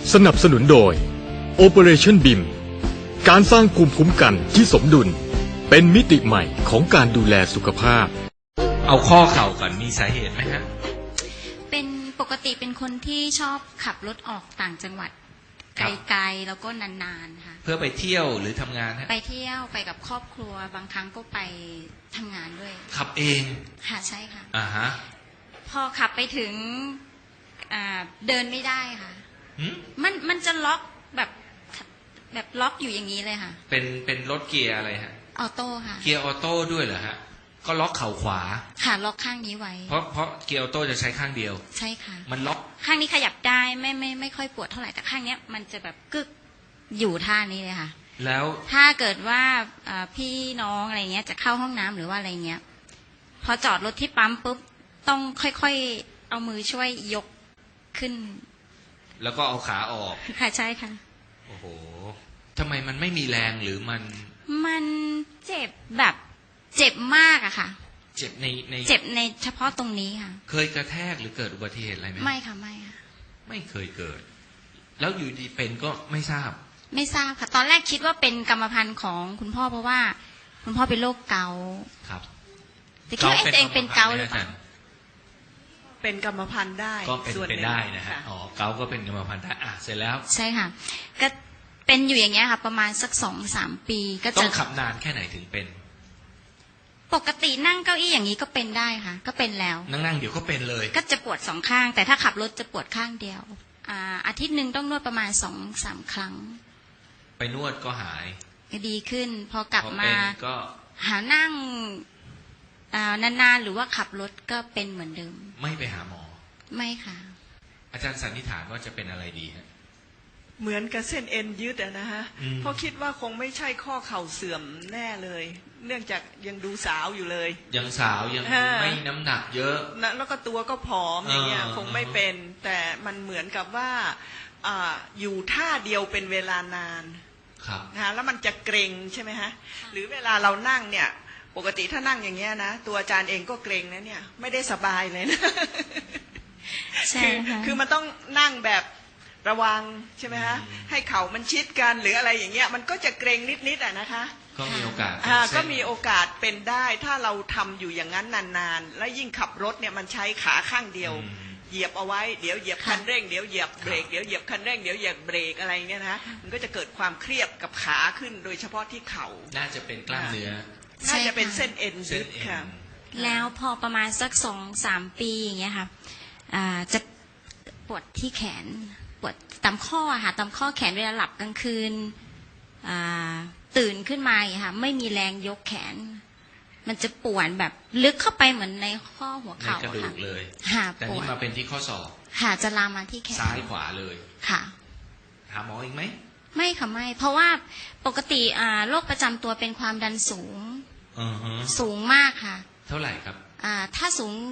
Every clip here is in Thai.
สนับสนุนโดย Operation BIM การสร้างภูมิคุ้มกันที่สมดุลเป็นมิติใหม่ของการดูแลสุขภาพเอาข้อเข่าก่อนมีสาเหตุไหมฮะเป็นปกติเป็นคนที่ชอบขับรถออกต่างจังหวัดไกลๆแล้วก็นานๆค่ะเพื่อไปเที่ยวหรือทำงานฮะไปเที่ยวไปกับครอบครัวบางครั้งก็ไปทำงานด้วยขับเองค่ะใช่ค่ะฮะพอขับไปถึงเดินไม่ได้ค่ะมันจะล็อกแบบล็อกอยู่อย่างนี้เลยค่ะเป็นรถเกียร์อะไรฮะออโต้ค่ะเกียร์ออโต้ด้วยเหรอฮะก็ล็อกเข่าขวาค่ะล็อกข้างนี้ไว้เพราะเกียร์ออโต้จะใช้ข้างเดียวใช่ค่ะมันล็อกข้างนี้ขยับได้ไม่ค่อยปวดเท่าไหร่แต่ข้างเนี้ยมันจะแบบกึกอยู่ท่านี้เลยค่ะแล้วถ้าเกิดว่าพี่น้องอะไรเงี้ยจะเข้าห้องน้ำหรือว่าอะไรเงี้ยพอจอดรถที่ปั๊มปุ๊บต้องค่อยๆเอามือช่วยยกขึ้นแล้วก็เอาขาออกค่ะใช่ค่ะโอ้โหทำไมมันไม่มีแรงหรือมันเจ็บแบบเจ็บมากอะค่ะเจ็บในเจ็บในเฉพาะตรงนี้ค่ะเคยกระแทกหรือเกิดอุบัติเหตุอะไรไหมไม่ค่ะไม่ค่ะไม่เคยเกิดแล้วอยู่ดีเป็นก็ไม่ทราบค่ะตอนแรกคิดว่าเป็นกรรมพันธุ์ของคุณพ่อเพราะว่าคุณพ่อเป็นโรคเกาต์ครับแต่คิดว่าตัวเองเป็นเกาต์หรือเปล่าเป็นกรรมพันธุ์ได้ก็เป็นได้นะฮะอ๋อเกาต์ก็เป็นกรรมพันธุ์ได้เสร็จแล้วใช่ค่ะก็เป็นอยู่อย่างเงี้ยค่ะประมาณสัก 2-3 ปีก็จะต้องขับนานแค่ไหนถึงเป็นปกตินั่งเก้าอี้อย่างนี้ก็เป็นได้ค่ะก็เป็นแล้วนั่งเดี๋ยวก็เป็นเลยก็จะปวด2ข้างแต่ถ้าขับรถจะปวดข้างเดียวอาทิตย์หนึ่งต้องนวดประมาณ 2-3 ครั้งไปนวดก็หายก็ดีขึ้นพอกลับมาก็หานั่งนานๆหรือว่าขับรถก็เป็นเหมือนเดิมไม่ไปหาหมอไม่ค่ะอาจารย์สันนิษฐานว่าจะเป็นอะไรดีฮะเหมือนกับเส้นเอ็นยืดนะฮะเพราะคิดว่าคงไม่ใช่ข้อเข่าเสื่อมแน่เลยเนื่องจากยังดูสาวอยู่เลยยังสาวยังไม่น้ำหนักเยอะนะแล้วก็ตัวก็ผอมอย่างเงี้ยคงไม่เป็นแต่มันเหมือนกับว่าอยู่ท่าเดียวเป็นเวลานานนะแล้วมันจะเกร็งใช่ไหมฮะหรือเวลาเรานั่งเนี่ยปกติถ้านั่งอย่างเงี้ยนะตัวอาจารย์เองก็เกร็งนะเนี่ยไม่ได้สบายเลยนะใช่คือมันต้องนั่งแบบระวังใช่ไหมฮะให้เข่ามันชิดกันหรืออะไรอย่างเงี้ยมันก็จะเกร็งนิดๆนะคะก็มีโอกาสก็มีโอกาสเป็นได้ถ้าเราทำอยู่อย่างนั้นนานๆและยิ่งขับรถเนี่ยมันใช้ขาข้างเดียวเหยียบเอาไว้เดี๋ยวเหยียบคันเร่งเดี๋ยวเหยียบเบรกเดี๋ยวเหยียบคันเร่งเดี๋ยวเหยียบเบรกอะไรเงี้ยนะมันก็จะเกิดความเครียดกับขาขึ้นโดยเฉพาะที่เข่าน่าจะเป็นกล้ามเนื้อน่าจะเป็นเส้นเอ็นยึดค่ะแล้วพอประมาณสัก 2-3 ปีอย่างเงี้ยค่ะจะปวดที่แขนปวดตามข้อค่ะตามข้อแขนเวลาหลับกลางคืนตื่นขึ้นมาค่ะไม่มีแรงยกแขนมันจะปวดแบบลึกเข้าไปเหมือนในข้อหัวเข่าในกระดูกเลยแต่นี่มาเป็นที่ข้อศอกค่ะจะลามมาที่แขนซ้ายขวาเลยค่ะหาหมออีกไหมไม่ค่ะไม่เพราะว่าปกติโรคประจำตัวเป็นความดันสูงสูงมากค่ะเท่าไหร่ครับถ้าสูง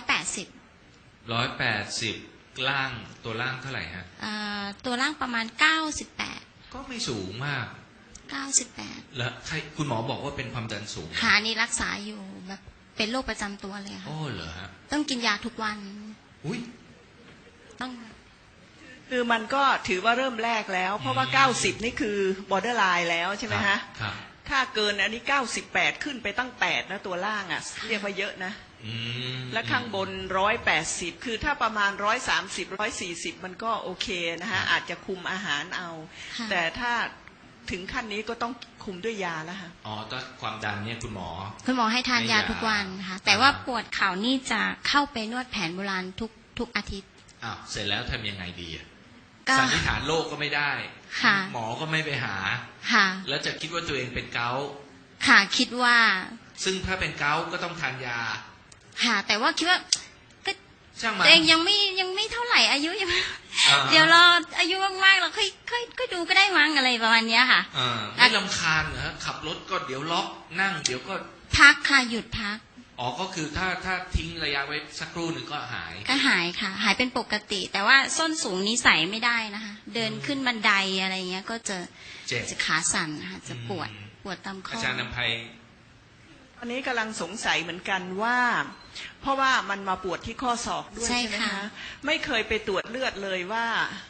180 ล่างตัวล่างเท่าไหร่ฮะตัวล่างประมาณ98 ก็ไม่สูงมาก 98 แล้วใครคุณหมอบอกว่าเป็นความดันสูงค่ะนี่รักษาอยู่แบบเป็นโรคประจำตัวเลยค่ะโอ้เหรอฮะต้องกินยาทุกวันอุ้ยต้องคือมันก็ถือว่าเริ่มแรกแล้วเพราะว่า90นี่คือ borderline แล้วใช่ไหมฮะครับถ้าเกินอันนี้98ขึ้นไปตั้ง8นะตัวล่างอ่ะเรียกว่าเยอะนะและข้างบน180คือถ้าประมาณ130-140มันก็โอเคนะฮะอาจจะคุมอาหารเอาแต่ถ้าถึงขั้นนี้ก็ต้องคุมด้วยยาแล้วค่ะอ๋อก็ความดันเนี่ยคุณหมอให้ทานยาทุกวันค่ะแต่ว่าปวดเข่านี่จะเข้าไปนวดแผนโบราณทุกอาทิตย์เสร็จแล้วทำยังไงดีสันนิษฐานโรคก็ไม่ได้หมอก็ไม่ไปหาแล้วจะคิดว่าตัวเองเป็นเกาต์ค่ะคิดว่าซึ่งถ้าเป็นเกาต์ก็ต้องทานยาค่ะแต่ว่าคิดว่าตัวเองยังไม่เท่าไหร่อายุยังเดี๋ยวเราอายุมากๆเราค่อยดูก็ได้มั้งอะไรประมาณนี้ค่ะไม่รำคาญเหรอขับรถก็เดี๋ยวล็อกนั่งเดี๋ยวก็พักค่ะหยุดพักก็คือถ้าทิ้งระยะไว้สักครู่หนึ่งก็หายค่ะหายเป็นปกติแต่ว่าส้นสูงนี้ใส่ไม่ได้นะคะเดินขึ้นบันไดอะไรเงี้ยก็จะขาสั่นค่ะจะปวดตามข้ออาจารย์นำไพอันนี้กำลังสงสัยเหมือนกันว่าเพราะว่ามันมาปวดที่ข้อศอกด้วยใช่ไหมคะไม่เคยไปตรวจเลือดเลยว่า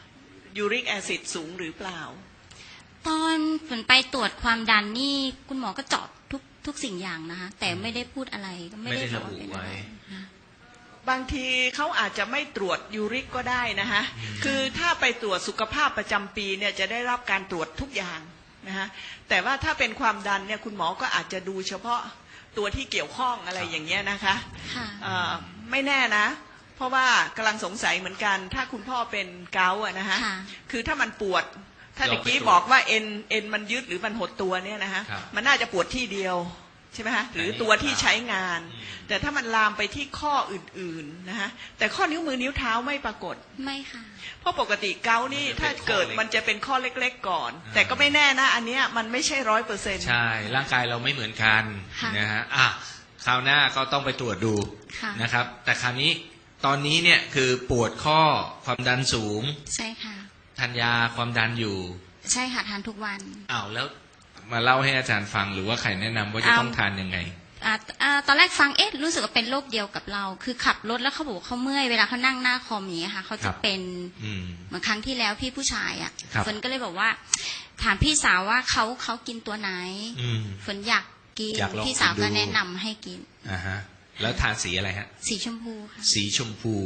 ยูริกแอซิดสูงหรือเปล่าตอนฝนไปตรวจความดันนี่คุณหมอก็เจาะทุกสิ่งอย่างนะคะแต่ไม่ได้พูดอะไรก็ไม่ได้ระบุไว้บางทีเขาอาจจะไม่ตรวจยูริกก็ได้นะคะคือถ้าไปตรวจสุขภาพประจำปีเนี่ยจะได้รับการตรวจทุกอย่างนะคะแต่ว่าถ้าเป็นความดันเนี่ยคุณหมอก็อาจจะดูเฉพาะตัวที่เกี่ยวข้องอะไรอย่างเงี้ยนะคะไม่แน่นะเพราะว่ากำลังสงสัยเหมือนกันถ้าคุณพ่อเป็นเกาต์อะนะคะคือถ้ามันปวดถ้าตะกี้บอกว่าเอ็นมันยึดหรือมันหดตัวเนี่ยนะคะมันน่าจะปวดที่เดียวใช่ไหมคะหรือตัวที่ใช้งานแต่ถ้ามันลามไปที่ข้ออื่นๆนะคะแต่ข้อนิ้วมือนิ้วเท้าไม่ปรากฏไม่ค่ะเพราะปกติเกาต์นี่ถ้าเกิดมันจะเป็นข้อเล็กๆก่อนแต่ก็ไม่แน่นะอันเนี้ยมันไม่ใช่100% ใช่ร่างกายเราไม่เหมือนกันนะฮะคราวหน้าก็ต้องไปตรวจดูนะครับแต่คราวนี้ตอนนี้เนี่ยคือปวดข้อความดันสูงใช่ค่ะทานยาความดันอยู่ใช่ค่ะทานทุกวันแล้วมาเล่าให้อาจารย์ฟังหรือว่าใครแนะนำว่าจะต้องทานยังไงตอนแรกฟังรู้สึกว่าเป็นโรคเดียวกับเราคือขับรถแล้วเขาบอกเขาเมื่อยเวลาเขานั่งหน้าคอมอย่างเงี้ยค่ะเขาจะเป็นเหมือนครั้งที่แล้วพี่ผู้ชายอ่ะฝนก็เลยบอกว่าถามพี่สาวว่าเขากินตัวไหนฝนอยากกินพี่สาวก็แนะนำให้กินแล้วทานสีอะไรฮะสีชมพูค่ะสีชมพู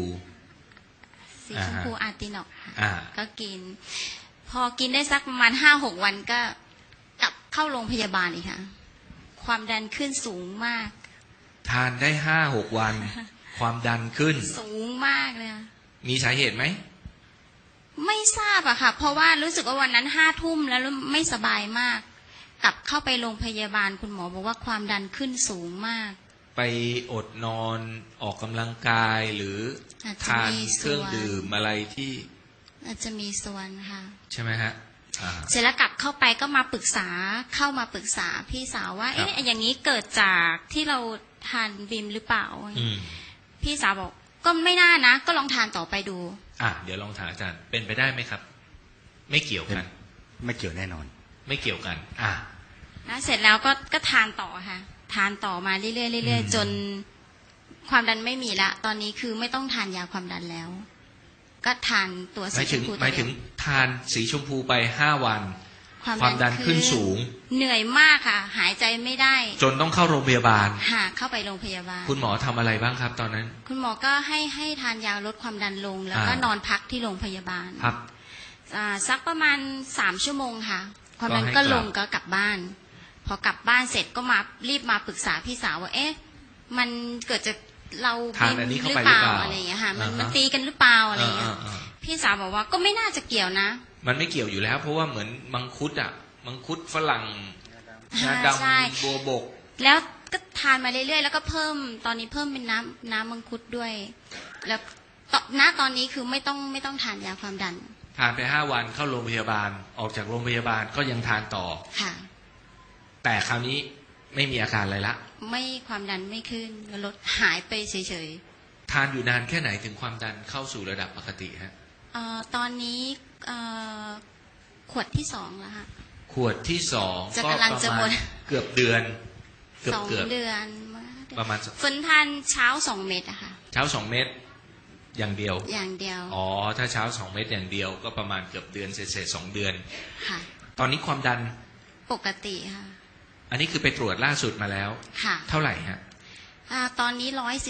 อาร์ตินอกค่ะก็กินพอกินได้สักประมาณ5-6 วันก็กลับเข้าโรงพยาบาลอีกค่ะความดันขึ้นสูงมากทานได้5-6 วันความดันขึ้นสูงมากเลยมีสาเหตุไหมไม่ทราบอะค่ะเพราะว่ารู้สึกว่าวันนั้น5 ทุ่มแล้วไม่สบายมากกลับเข้าไปโรงพยาบาลคุณหมอบอกว่าความดันขึ้นสูงมากไปอดนอนออกกำลังกายหรือทานเครื่องดื่มอะไรที่อาจจะมีส่วนค่ะใช่ไหมฮะเสร็จแล้วกลับเข้าไปก็มาปรึกษาพี่สาวว่าอย่างนี้เกิดจากที่เราทานบิมหรือเปล่าพี่สาวบอกก็ไม่น่านะก็ลองทานต่อไปดูเดี๋ยวลองถามอาจารย์เป็นไปได้ไหมครับไม่เกี่ยวกันไม่เกี่ยวแน่นอนไม่เกี่ยวกันแล้วเสร็จแล้วก็ทานต่อค่ะทานต่อมาเรื่อยๆจนความดันไม่มีละตอนนี้คือไม่ต้องทานยาความดันแล้วก็ทานตัวสีชมพูหมายถึงทานสีชมพูไป5 วันความดันขึ้นสูงเหนื่อยมากค่ะหายใจไม่ได้จนต้องเข้าโรงพยาบาลเข้าไปโรงพยาบาลคุณหมอทำอะไรบ้างครับตอนนั้นคุณหมอก็ให้ทานยาลดความดันลงแล้วก็นอนพักที่โรงพยาบาลครับสักประมาณ3 ชั่วโมงค่ะความดันก็ลงก็กลับบ้านพอกลับบ้านเสร็จก็รีบมาปรึกษาพี่สาวว่ามันเกิดจากเราบิมหรือเปล่าอะไรอย่างเงี้ยค่ะมันตีกันหรือเปล่าอะไรอย่างเงี้ยพี่สาวบอกว่าก็ไม่น่าจะเกี่ยวนะมันไม่เกี่ยวอยู่แล้วเพราะว่าเหมือนมังคุดมังคุดฝรั่งงาดำบัวบกแล้วก็ทานมาเรื่อยๆแล้วก็เพิ่มตอนนี้เพิ่มเป็นน้ำมังคุดด้วยแล้วตอนนี้คือไม่ต้องทานยาความดันทานไป5 วันเข้าโรงพยาบาลออกจากโรงพยาบาลก็ยังทานต่อค่ะแต่คราวนี้ไม่มีอาการอะไรละไม่ความดันไม่ขึ้นลดหายไปเฉยๆทานอยู่นานแค่ไหนถึงความดันเข้าสู่ระดับปกติฮะตอนนี้ขวดที่2แล้วค่ะขวดที่2ก็ประมาณเกือบเดือน 2 เดือนประมาณฝนทานเช้า2 เม็ดอะค่ะเช้า2 เม็ดอย่างเดียวถ้าเช้า2 เม็ดอย่างเดียวก็ประมาณเกือบเดือนเศษ2 เดือนค่ะตอนนี้ความดันปกติค่ะอันนี้คือไปตรวจล่าสุดมาแล้วค่ะเท่าไหร่ฮะตอนนี้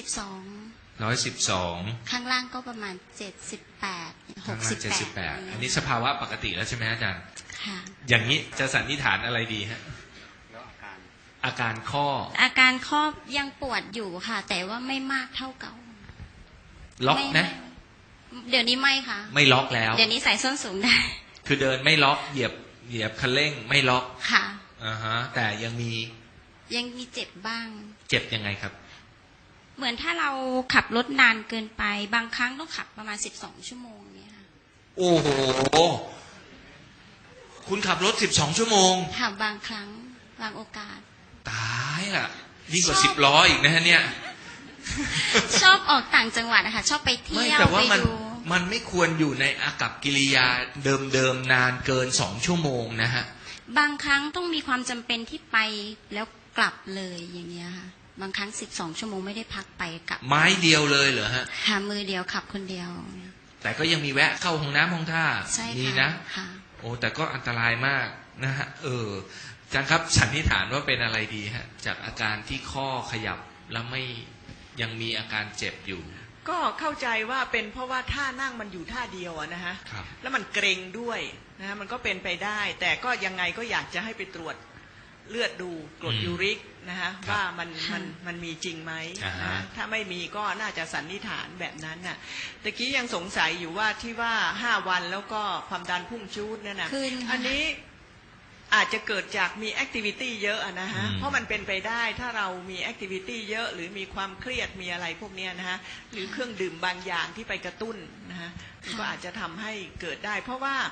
112ข้างล่างก็ประมาณ78 68 อันนี้สภาวะปกติแล้วใช่ไหมอาจารย์ค่ะอย่างนี้จะสันนิษฐานอะไรดีฮะอาการข้อยังปวดอยู่ค่ะแต่ว่าไม่มากเท่าเก่าล็อกนะเดี๋ยวนี้ไม่ค่ะไม่ล็อกแล้วเดี๋ยวนี้ใส่ส้นสูงได้คือเดินไม่ล็อกเหยียบคันเร่งไม่ล็อกค่ะแต่ยังมีเจ็บบ้างเจ็บยังไงครับเหมือนถ้าเราขับรถนานเกินไปบางครั้งต้องขับประมาณ12 ชั่วโมงเนี่ยค่ะโอ้โหคุณขับรถ12 ชั่วโมงค่ะบางครั้งบางโอกาสตายล่ะยิ่งกว่า10 ล้ออีกนะฮะเนี่ยชอบออกต่างจังหวัดนะคะชอบไปเที่ยวไปดูมันไม่ควรอยู่ในอากัปกิริยาเดิมๆนานเกิน2 ชั่วโมงนะฮะบางครั้งต้องมีความจำเป็นที่ไปแล้วกลับเลยอย่างเงี้ยค่ะบางครั้ง12 ชั่วโมงไม่ได้พักไปกลับไม้เดียวเลยเหรอฮะค่ะมือเดียวขับคนเดียวแต่ก็ยังมีแวะเข้าห้องน้ำห้องท่าใช่มีค่ะนะค่ะโอ้แต่ก็อันตรายมากนะฮะอาจารย์ครับสันนิษฐานว่าเป็นอะไรดีฮะจากอาการที่ข้อขยับแล้วไม่ยังมีอาการเจ็บอยู่ก็เข้าใจว่าเป็นเพราะว่าท่านั่งมันอยู่ท่าเดียวอะนะฮะครับแล้วมันเกร็งด้วยนะฮะมันก็เป็นไปได้ แต่ก็ยังไงก็อยากจะให้ไปตรวจเลือดดูกรดยูริกนะฮะว่ามันมีจริงไหมอ่าฮะนะฮะถ้าไม่มีก็น่าจะสันนิษฐานแบบนั้นน่ะตะกี้ยังสงสัยอยู่ว่าที่ว่า5 วันแล้วก็ความดันพุ่งชูดนั่นน่ะขึ้นค่ะอันนี้อาจจะเกิดจากมีแอคทิวิตี้เยอะอะนะฮะ เพราะมันเป็นไปได้ถ้าเรามีแอคทิวิตี้เยอะหรือมีความเครียดมีอะไรพวกเนี้ยนะฮะหรือเครื่องดื่มบางอย่างที่ไปกระตุ้นนะฮะมันก็อาจจะทำให้เกิดได้ เพราะว่า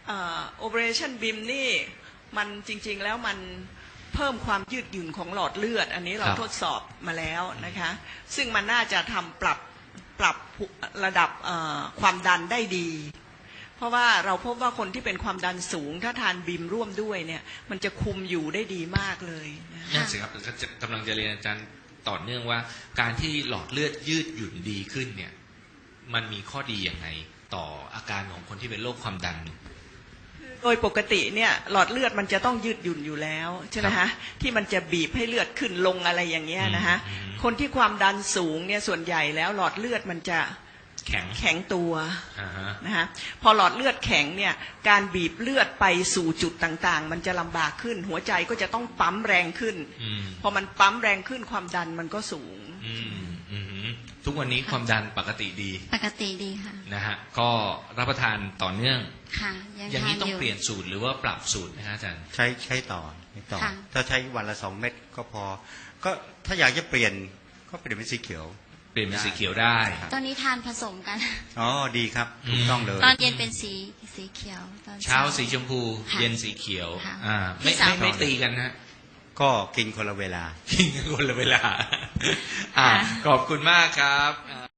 Operation BIM นี่มันจริงๆแล้วมันเพิ่มความยืดหยุ่นของหลอดเลือด อันนี้เราครับทดสอบมาแล้วนะคะซึ่งมันน่าจะทำปรับระดับความดันได้ดี เพราะว่าเราพบว่าคนที่เป็นความดันสูงถ้าทานบิมร่วมด้วยเนี่ยมันจะคุมอยู่ได้ดีมากเลยนะนั่นสิครับกำลังจะเรียนอาจารย์ต่อเนื่องว่าการที่หลอดเลือดยืดหยุ่นดีขึ้นเนี่ยมันมีข้อดีอย่างไรต่ออาการของคนที่เป็นโรคความดันโดยปกติเนี่ยหลอดเลือดมันจะต้องยืดหยุ่นอยู่แล้วใช่ไหมฮะที่มันจะบีบให้เลือดขึ้นลงอะไรอย่างเงี้ยนะฮะคนที่ความดันสูงเนี่ยส่วนใหญ่แล้วหลอดเลือดมันจะ แข็งตัว นะฮะพอหลอดเลือดแข็งเนี่ยการบีบเลือดไปสู่จุดต่างๆมันจะลำบากขึ้นหัวใจก็จะต้องปั๊มแรงขึ้นพอมันปั๊มแรงขึ้นความดันมันก็สูงทุกวันนี้ความดันปกติดีปกติดีค่ะนะฮะก็รับประทานต่อเนื่องค่ะอย่างนี้ทต้องเปลี่ยนสูตรหรือว่าปรับสูตรนะฮะอาจารย์ใช้ต่อค่ะถ้าใช้วันละ2 เม็ดก็พอก็ถ้าอยากจะเปลี่ยนก็เปลี่ยนเป็นสีเขียวเปลี่ยนเป็นสีเขียวได้ตอนนี้ทานผสมกันอ๋อดีครับถูกต้องเลยตอนเย็นเป็นสีเขียวตอนเช้าสีชมพูค่ะเย็นสีเขียวค่ะไม่พี่สาวไม่ตีกันนะก็กินคนละเวลากินกันคนละเวลาขอบคุณมากครับ